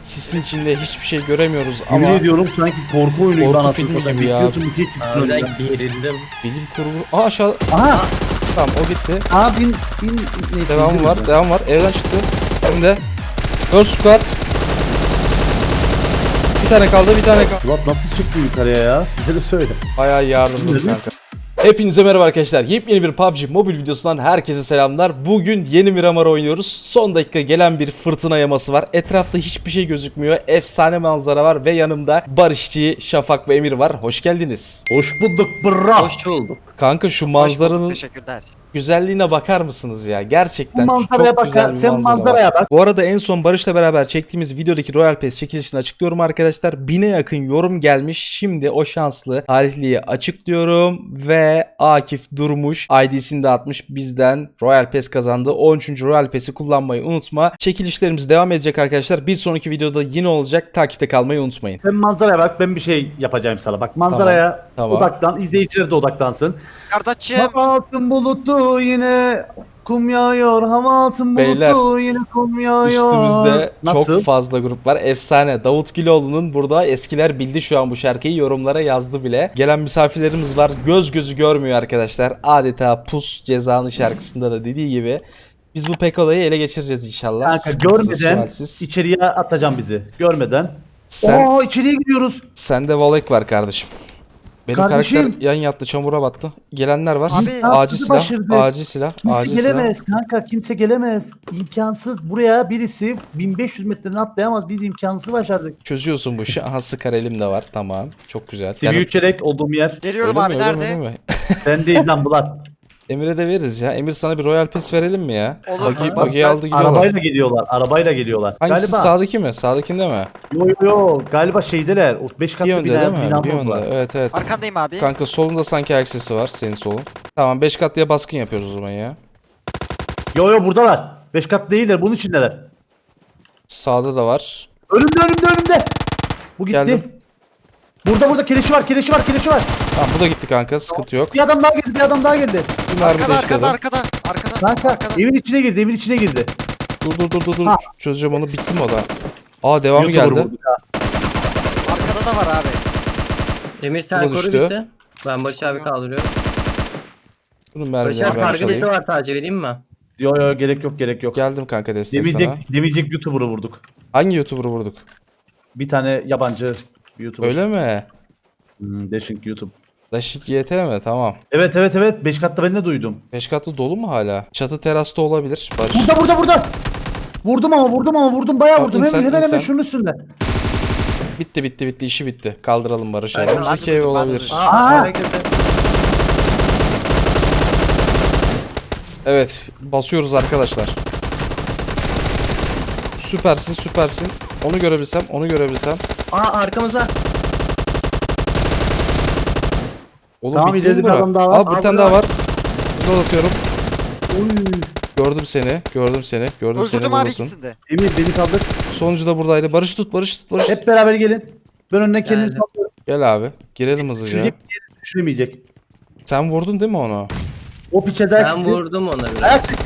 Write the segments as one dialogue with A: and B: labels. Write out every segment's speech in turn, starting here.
A: Sisin içinde hiçbir şey göremiyoruz ama
B: Yemin ediyorum sanki korku oyunu gibi
A: Korku
B: anasını
A: filmi
B: satayım.
A: gibi ya.
B: Bekliyorsun, bir şey çıkıyor
C: Ben
B: ya.
C: gerildim.
A: bilim kurgu. Aa aşağı.
B: Aha!
A: Tamam o gitti.
B: Abin neyse.
A: Devamı var. Devam var. Evden çıktı. Önde. 4 squad. Bir tane kaldı. Bir tane kaldı.
B: Ulan nasıl çıktı yukarıya ya? Bize de söyle.
A: Bayağı yardımcı
B: Değil mi?
A: kanka. Hepinize merhaba arkadaşlar. Yepyeni bir PUBG mobil videosundan herkese selamlar. Bugün yeni Miramar oynuyoruz. Son dakika gelen bir fırtına yaması var. Etrafta hiçbir şey gözükmüyor. Efsane manzara var ve yanımda Barışçı, Şafak ve Emir var. Hoş geldiniz.
B: Hoş bulduk bro.
C: Hoş bulduk.
A: Kanka şu
D: Hoş bulduk,
A: manzaranın
D: teşekkürler.
A: güzelliğine bakar mısınız ya? Gerçekten
B: Bu manzaraya
A: çok
B: bak
A: güzel
B: ya,
A: bir
B: sen
A: manzara
B: manzaraya
A: var.
B: bak.
A: Bu arada en son Barış'la beraber çektiğimiz videodaki Royal Pass çekilişini açıklıyorum arkadaşlar. 1000'e yakın yorum gelmiş. Şimdi o şanslı talihliyi açıklıyorum ve Akif Durmuş ID'sini de atmış. Bizden Royal Pass kazandı. 13. Royal Pass'i kullanmayı unutma. Çekilişlerimiz devam edecek arkadaşlar. Bir sonraki videoda yine olacak. Takipte kalmayı unutmayın.
B: Sen manzaraya bak, ben bir şey yapacağım sana. Bak manzaraya
A: Tamam.
B: odaklan, izleyiciler de odaklansın.
D: Kardeşim,
B: Hava altın bulutlu yine kum yağıyor. Hava altın bulutlu
A: Beyler,
B: yine kum yağıyor.
A: Üstümüzde
B: Nasıl?
A: çok fazla grup var. Efsane. Davut Güloğlu'nun burada eskiler bildi şu an bu şarkıyı. Yorumlara yazdı bile. Gelen misafirlerimiz var. Göz gözü görmüyor arkadaşlar. Adeta Pus Cezanı şarkısında da dediği gibi. Biz bu Pekola'yı ele geçireceğiz inşallah.
B: Kanka
A: Sıkıntısız,
B: görmeden
A: sualsiz.
B: içeriye atacağım bizi. Görmeden.
A: Sen,
B: Oo, içeriye gidiyoruz.
A: sende Volek var kardeşim. Benim
B: Kardeşim.
A: karakter yan yattı, çamura battı. Gelenler var.
D: Abi,
A: acil
B: sizi
A: silah,
B: başardık.
A: acil silah,
B: Kimse
A: acil silah.
B: gelemez kanka, kimse gelemez. İmkansız. Buraya birisi 1500 metreden atlayamaz. Biz imkansız başardık.
A: Çözüyorsun bu işi. Aha sıkar elim de var. Tamam. Çok güzel.
B: TV3 çelek olduğum yer.
D: geliyorum
A: Öyle
D: abi,
A: mi, öyle mi,
D: nerede?
A: öyle mi?
B: Sen değil lan Bulat.
A: Emir'e de veririz ya. Emir sana bir Royal Pass verelim mi ya?
D: Olur.
A: Buggy'i aldı gidiyorlar.
B: Arabayla geliyorlar. Arabayla geliyorlar.
A: Hangisi,
B: Galiba.
A: sağdaki mi? Sağdakinde mi?
B: Yo galiba şeydeler. O 5
A: Bir
B: katlı
A: yönde değil
B: bina,
A: mi?
B: bina
A: Bir yönde.
B: var.
A: Evet evet.
D: Arkandayım abi.
A: Kanka solunda sanki ayak sesi var. Senin solun. Tamam 5 katlıya baskın yapıyoruz o zaman ya.
B: Yo buradalar. 5 kat değiller. Bunun içindeler.
A: Sağda da var.
B: Önümde. Bu gitti.
A: Geldim.
B: Burada keleşi var.
A: Tamam bu da gitti kanka. Sıkıntı yok.
B: Bir adam daha geldi.
A: Bir mermi
D: Arkada,
A: değiştirdim.
D: arkada.
B: Kanka
D: Arkada.
B: evin içine girdi.
A: Dur.
B: Ha.
A: Çözeceğim onu. Bitti mi o da? Aa devamı
B: YouTuber
A: geldi.
B: vurduk ha.
D: Arkada da var abi.
C: Emir
A: Bu
C: sen
A: da
C: koru
A: düştü.
C: bizi. Ben Barış abi kaldırıyorum.
A: Bunun
C: Barış
A: mermilerini
C: abi
A: ben
C: sargı bezi
A: çalayım.
C: var sadece, vereyim mi?
B: Yo gerek yok.
A: Geldim kanka desteğe sana.
B: Demeyecek YouTuber'ı vurduk.
A: Hangi YouTuber'ı vurduk?
B: Bir tane yabancı YouTuber.
A: Öyle mi?
B: Dashing YouTube.
A: Dashik YT mi? Tamam.
B: Evet. 5 katta ben de duydum.
A: 5 katlı dolu mu hala? Çatı terasta olabilir. Barış.
B: Burada. Vurdum bayağı
A: Tamam,
B: vurdum.
A: insan.
B: Hemen şunun üstünde.
A: Bitti işi bitti. Kaldıralım Barış'ı.
C: Aynen,
A: Önümüzdeki
D: hadi
A: ev
D: dur,
A: olabilir.
D: hadi
C: Aa,
B: Aa!
C: hareket et.
A: Evet basıyoruz arkadaşlar. Süpersin. Onu görebilsem.
C: Aa, arkamıza.
A: Oğlum
B: Tamam,
A: bitti mi
B: ileride bir
A: bura?
B: adam daha var.
A: Aa bir
C: Aa,
A: tane
C: burada
A: daha var. Burada atıyorum.
B: Oy.
A: Gördüm seni. Gördüm seni
D: Öldürdüm abi
A: buradasın.
D: ikisini de.
B: Emir beni kaldır.
A: Sonuncu da buradaydı. Barış tut.
B: Hep beraber gelin. Ben önüne kendimi
C: Geldim.
B: sallıyorum.
A: Gel abi. Girelim hızlıca.
B: Düşüremeyecek.
A: Sen vurdun değil mi onu?
B: O piçe
C: Ben
B: dersin.
C: vurdum ona biraz.
B: Ayak sesi.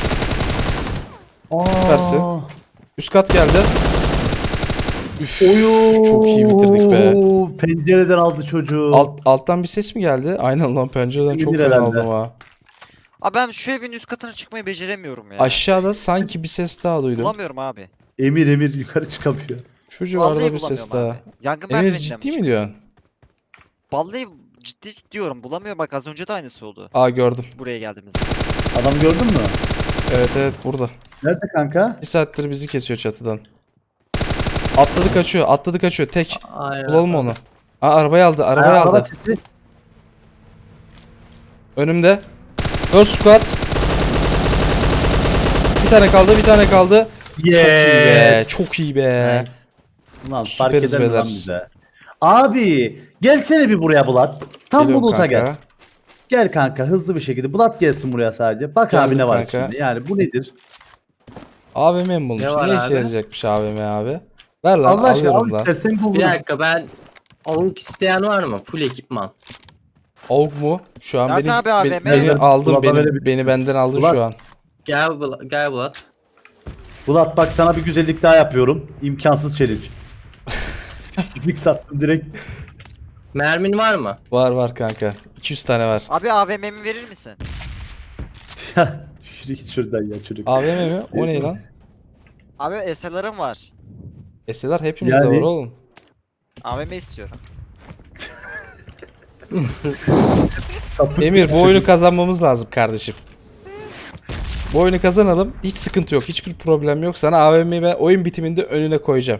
A: Süpersin. Üst kat geldi. Üf,
B: Oyu.
A: çok iyi bitirdik be.
B: Pencereden aldı çocuğu.
A: Alttan bir ses mi geldi? Aynen lan pencereden çok
B: Gelir
A: fena
B: herhalde.
A: aldım ha.
D: Abi ben şu evin üst katına çıkmayı beceremiyorum ya.
A: Aşağıda sanki bir ses daha duydum.
D: Bulamıyorum abi.
B: Emir yukarı çıkamıyor.
A: Şu civarda
D: Vallahi
A: bir ses
D: bulamıyorum
A: daha.
D: abi. Yangın
A: Emir
D: merdiveninden
A: ciddi
D: mi
A: mi diyorsun?
D: Vallahi ciddi diyorum, bulamıyorum, bak az önce de aynısı oldu.
A: Aa gördüm.
D: Buraya geldiğimiz.
B: Adam gördün mü?
A: Evet burada.
B: Nerede kanka?
A: Bir saattir bizi kesiyor çatıdan. Atladı kaçıyor. Tek.
C: Aynen.
A: Bulalım onu. Aa arabayı aldı. Arabayı
B: Araba
A: aldı.
B: sesi.
A: Önümde. 4 squad. Bir tane kaldı.
B: Yes.
A: Çok iyi be.
C: Nice.
B: Ulan fark
A: Süperiz
B: eder mi lan
A: beyler.
B: bize? Abi gelsene bir buraya Bulat. Tam
A: Geliyorum
B: Bulut'a
A: kanka.
B: gel. Gel kanka hızlı bir şekilde. Bulat gelsin buraya sadece. Bak
A: Geldim
B: abi ne var
A: kanka.
B: şimdi. Yani bu nedir?
A: AVM mi bulmuş?
C: Ne var
A: Ne işe
C: abi?
A: yarayacakmış AVM abi? Ver lan
B: Allah aşkına al
A: alıyorum lan.
B: istersen bul.
C: Bir dakika, ben avuk isteyen var mı? Full ekipman.
A: AUG mu? Şu an
D: Nerede
A: beni,
D: abi AVM?
A: beni aldı.
B: Bulat'a verebilir.
A: Beni benden aldı
B: Bulat.
A: şu an.
C: Gel Bulat.
B: Bulat bak sana bir güzellik daha yapıyorum. İmkansız challenge. Fizik sattım direkt.
C: Mermin var mı?
A: Var kanka. 200 tane var.
D: Abi AVM'mi verir misin?
B: Ya yürü git şuradan ya çocuk.
A: AVM mi? O ne lan?
D: Abi SLR'ım var.
A: SLR hepimizde
B: Yani-
A: var oğlum.
D: AVM istiyorum.
B: Sapık
A: Emir
B: bir
A: bu oyunu
B: çocuk.
A: kazanmamız lazım kardeşim. Bu oyunu kazanalım. Hiç sıkıntı yok. Hiçbir problem yok. Sana AVM'yi ben oyun bitiminde önüne koyacağım.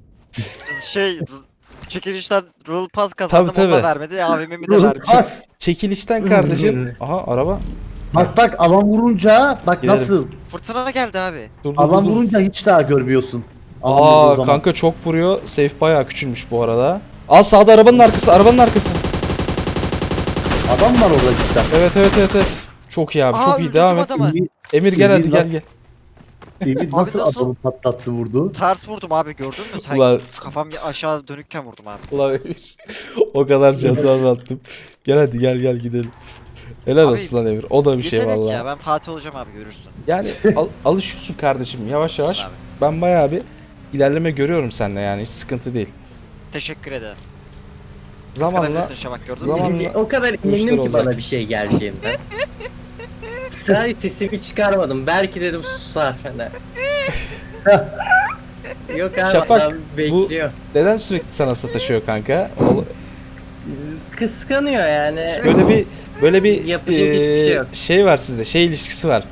D: Çekilişten Rule Pass kazandım,
A: Tabii,
D: onu da
A: tabii.
D: vermedi. AVM'mi de vermedi.
B: Bas.
A: Çekilişten kardeşim. Aha araba.
B: Bak alan vurunca bak
A: Gidelim.
B: nasıl.
D: Fırtına geldi abi.
A: Dur
B: Alan vurunca hiç daha görmüyorsun. Alan vurduğu
A: Aa
B: zaman.
A: kanka çok vuruyor. Safe bayağı küçülmüş bu arada. Al sağda arabanın arkası. Arabanın arkası.
B: Adam var orada cidden.
A: Evet. Çok iyi abi.
D: Aa,
A: Çok iyi.
D: öldürdüm
A: Devam et.
D: adamı.
A: Emir gel hadi
B: Emir
A: gel
B: bak-
A: gel.
B: Emir nasıl
D: nasıl?
B: adamı patlattı vurdu.
D: Ters vurdum abi, gördün mü?
A: Ulan-
D: Kafam aşağı dönükken vurdum abi.
A: Ulan Emir. O kadar canını anlattım. Gel hadi gel gidelim. Helal
D: Abi,
A: olsun lan Emir. O da bir şey
D: Yetenek
A: vallahi.
D: ya, ben Fatih olacağım abi, görürsün.
A: Yani alışıyorsun kardeşim yavaş yavaş.
D: Abi.
A: Ben bayağı bir ilerleme görüyorum sende yani hiç sıkıntı değil.
D: Teşekkür ederim.
A: Zamanla
D: Kıskanabilirsin Şafak, gördün mü?
A: Zamanla-
C: O kadar
A: işler
C: emindim ki
A: olacak.
C: bana bir şey geleceğinden. Sadece sesimi çıkarmadım. Belki dedim susar. Hani. Yok abi
A: Şafak,
C: adam bekliyor.
A: neden sürekli sana sataşıyor kanka?
C: Kıskanıyor yani.
A: Böyle bir
C: Yapacak hiçbir şey yok.
A: şey var sizde. Şey ilişkisi var.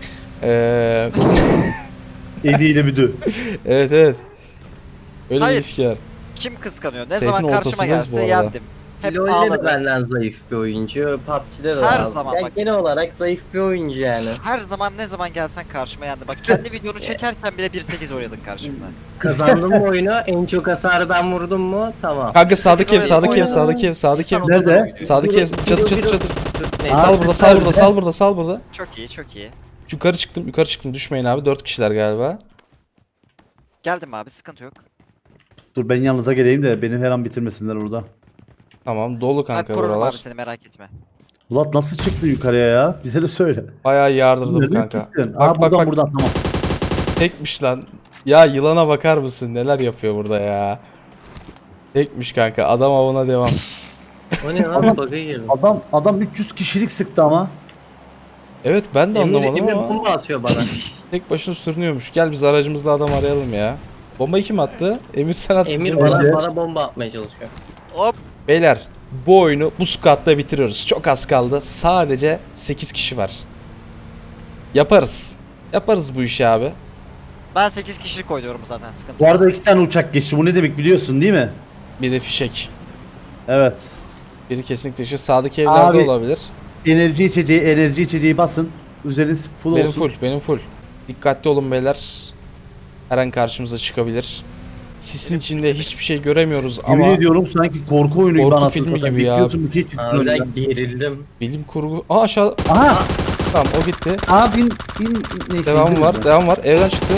B: Eliyle büdü.
A: Evet. Öyle bir
D: Hayır.
A: ilişki var.
D: Kim kıskanıyor? Ne
A: Seyfin
D: zaman karşıma
A: ortasındayız bu
D: gelse
A: arada.
D: yendim. Hep
C: LoL'de de
D: ağladı.
C: benden zayıf bir oyuncu. PUBG'de de
D: Her
C: var.
D: zaman
C: Ya
D: bak.
C: genel olarak zayıf bir oyuncu yani.
D: Her zaman ne zaman gelsen karşıma yendi. Bak kendi videonu çekerken bile 1.8 oynadın karşımda.
C: Kazandım mı oyunu? En çok hasarı ben vurdum mu? Tamam.
A: Kanka sağdaki ev,
D: Biz
A: sağdaki ev,
D: oynadık.
A: sağdaki ev, sağdaki ev.
D: İnsan
B: Nerede?
D: odalarına gidiyor.
A: Sağdaki ev, çatır.
C: Neyse.
A: Sal burada, sal burada,
B: nerede?
A: sal burada, sal burada.
D: Çok iyi, çok iyi.
A: Yukarı çıktım. Düşmeyin abi. 4 kişiler galiba.
D: Geldim abi, sıkıntı yok.
B: Dur ben yanınıza geleyim de beni her an bitirmesinler burada.
A: Tamam, dolu
D: Ben
A: kanka
D: korurum
A: buralar.
D: abi seni, merak etme.
B: Bulat nasıl çıktı yukarıya ya? Bize de söyle.
A: Bayağı yardırdım
B: Nereye
A: kanka.
B: gittin?
A: Bak
B: Buradan
A: bak.
B: tamam.
A: Tekmiş lan. Ya yılana bakar mısın? Neler yapıyor burada ya? Tekmiş kanka. Adam avına devam.
C: O ne lan? Bug'a girdim.
B: Adam 300 kişilik sıktı ama.
A: Evet ben de anlamadım
C: Emir
A: ama
C: bomba atıyor bana.
A: tek başına sürünüyormuş. Gel biz aracımızla adam arayalım ya. Bombayı kim attı? Emir sen attın.
C: Emir
A: değil mi?
C: bana bomba atmaya çalışıyor.
D: Hop.
A: Beyler bu oyunu bu squad'da bitiriyoruz. Çok az kaldı. Sadece 8 kişi var. Yaparız. Yaparız bu işi abi.
D: Ben 8 kişilik oynuyorum zaten, sıkıntı
B: Bu
D: yok.
B: arada 2 tane uçak geçti. Bu ne demek biliyorsun değil mi?
A: Biri fişek.
B: Evet.
A: Biri kesinlikle şu sağdaki evlerde
B: Abi,
A: olabilir.
B: Enerji içeceği basın. Üzeriniz full
A: Benim
B: olsun.
A: full, benim full. Dikkatli olun beyler. Her an karşımıza çıkabilir. Sisin içinde hiçbir şey göremiyoruz
B: Yemin
A: ama
B: ediyorum sanki korku oyunu gibi
A: Korku
B: anasını
A: filmi
B: satayım.
A: gibi ya.
B: Bekliyorsun bir şey çıksın önünden.
C: Harbiden gerildim.
A: bilim kurgu... Aa aşağı...
B: Aha!
A: Tamam o gitti.
B: Aha bin neyse.
A: Devam
B: indiririz
A: var,
B: ya.
A: devam var. Evden çıktı.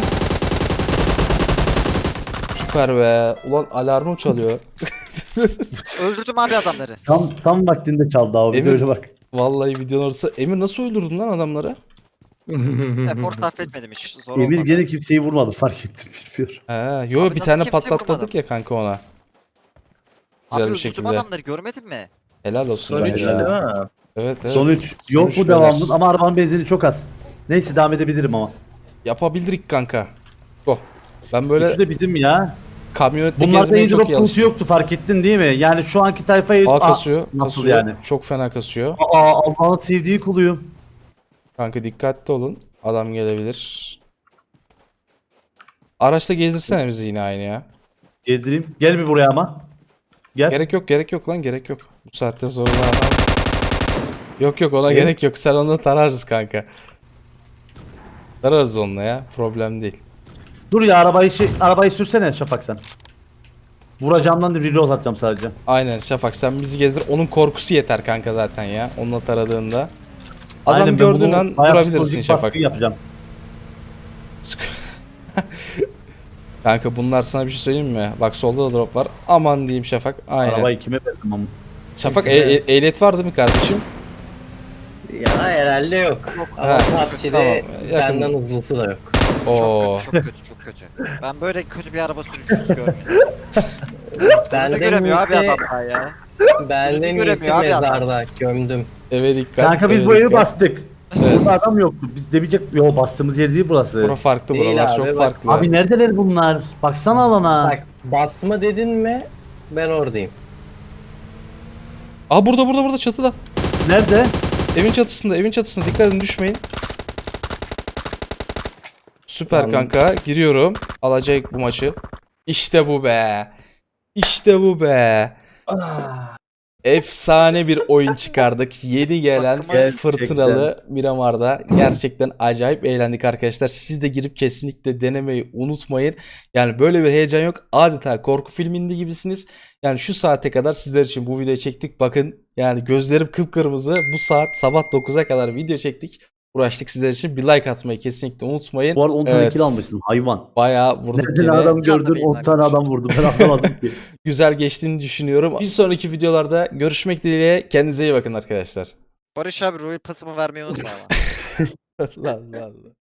A: Süper be. Ulan alarmım çalıyor.
D: Öldürdüm abi adamları.
B: Tam vaktinde çaldı abi.
A: Emir-
B: Öyle bak.
A: Vallahi videonun orası. Emir nasıl öldürdün lan adamları?
D: Efor sarf etmedim hiç. Zor
B: Emir
D: olmadı.
B: gene kimseyi vurmadı fark ettim bilmiyorum.
A: He, yo
D: Abi
A: bir
D: nasıl
A: tane
D: kimse
A: patlatmadık
D: vurmadım?
A: ya kanka ona.
D: Abi
A: Güzel bir
D: öldürdüm
A: şekilde.
D: adamları, görmedin mi?
A: Helal olsun.
C: Son
A: bence
C: 3
A: ya.
C: değil mi?
A: Evet evet.
B: Son 3.
A: Son
B: Yok
A: üç
B: bu
A: beyler.
B: devamlı ama arabanın benzini çok az. Neyse devam edebilirim ama.
A: Yapabilirik kanka. Go. Ben böyle
B: Üçü de bizim ya.
A: kamyonette
B: Bunlarda
A: gezmeye çok
B: airdrop
A: iyi
B: konusu
A: alıştım.
B: yoktu fark ettin değil mi? Yani şu anki tayfayı...
A: Aa kasıyor.
B: nasıl
A: Kasıyor.
B: yani?
A: Çok fena kasıyor.
B: Allah'ın sevdiği kuluyum.
A: Kanka dikkatli olun. Adam gelebilir. Araçta gezdirsene bizi yine aynı ya.
B: Yedireyim. Gel bir buraya ama. Gel.
A: Gerek yok lan gerek yok. Bu saatten sonra adam... Yok ona
B: Ne?
A: gerek yok. Sen onu tararız kanka. Tararız onunla ya. Problem değil.
B: Dur ya arabayı sürsene Şafak sen. Vuracağımdan da reload atacağım sadece.
A: Aynen Şafak sen bizi gezdir. Onun korkusu yeter kanka zaten ya. Onunla taradığında. Adam
B: Aynen, ben
A: gördüğün
B: bunu
A: an
B: bayağı
A: vurabilirsin
B: psikolojik
A: Şafak.
B: baskı yapacağım.
A: Kanka bunlar sana bir şey söyleyeyim mi? Bak solda da drop var. Aman diyeyim Şafak. Aynen.
B: Arabayı kime verdim ama.
A: Şafak
C: Kimse de-
A: ehliyet var değil mi kardeşim?
C: Ya herhalde yok. Ama
A: Ha,
C: PUBG'de
A: tamam, yakın.
C: benden hızlısı da yok.
A: Oo.
D: Çok kötü, çok kötü, çok kötü. Ben böyle kötü bir araba sürücüsü görmedim. Bunu
C: Benden
D: göremiyor abi
C: iyisi,
D: adamlar ya.
C: benden
D: Önünü
C: iyisi
D: göremiyor abi adam.
C: mezarda gömdüm.
A: Eve dikkat.
B: Kanka biz
A: eve
B: bu evi
A: dikkat.
B: bastık.
A: Evet.
B: Burada adam yoktu. Biz demeyecek. Yo bastığımız yer değil burası.
A: Bura farklı,
C: Değil
A: buralar
C: abi,
A: çok
C: bak.
A: farklı.
B: Abi neredeler bunlar? Baksana alana.
C: Bak basma dedin mi ben oradayım.
A: Aa burada çatıda.
B: Nerede?
A: Evin çatısında dikkat edin düşmeyin. Süper
C: Tamam.
A: kanka, giriyorum. Alacak bu maçı. İşte bu be. İşte bu be. Efsane bir oyun çıkardık. Yeni gelen
D: Aklıma-
A: fırtınalı Miramar'da. Gerçekten acayip eğlendik arkadaşlar. Siz de girip kesinlikle denemeyi unutmayın. Yani böyle bir heyecan yok. Adeta korku filminde gibisiniz. Yani şu saate kadar sizler için bu videoyu çektik. Bakın yani gözlerim kıpkırmızı. Bu saat sabah 9'a kadar video çektik. Uğraştık sizler için. Bir like atmayı kesinlikle unutmayın.
B: Bu arada 10 tane
A: Evet.
B: kill almışsın hayvan.
A: Bayağı vurduk
B: Nereden
A: yine.
B: adam gördün
D: Canlı
B: 10 tane
D: yayınlar.
B: adam vurdum ben anlamadım ki.
A: Güzel geçtiğini düşünüyorum. Bir sonraki videolarda görüşmek dileğiyle. Kendinize iyi bakın arkadaşlar.
D: Barış abi Royal pasımı vermeyi unutma ama.
A: Allah Allah.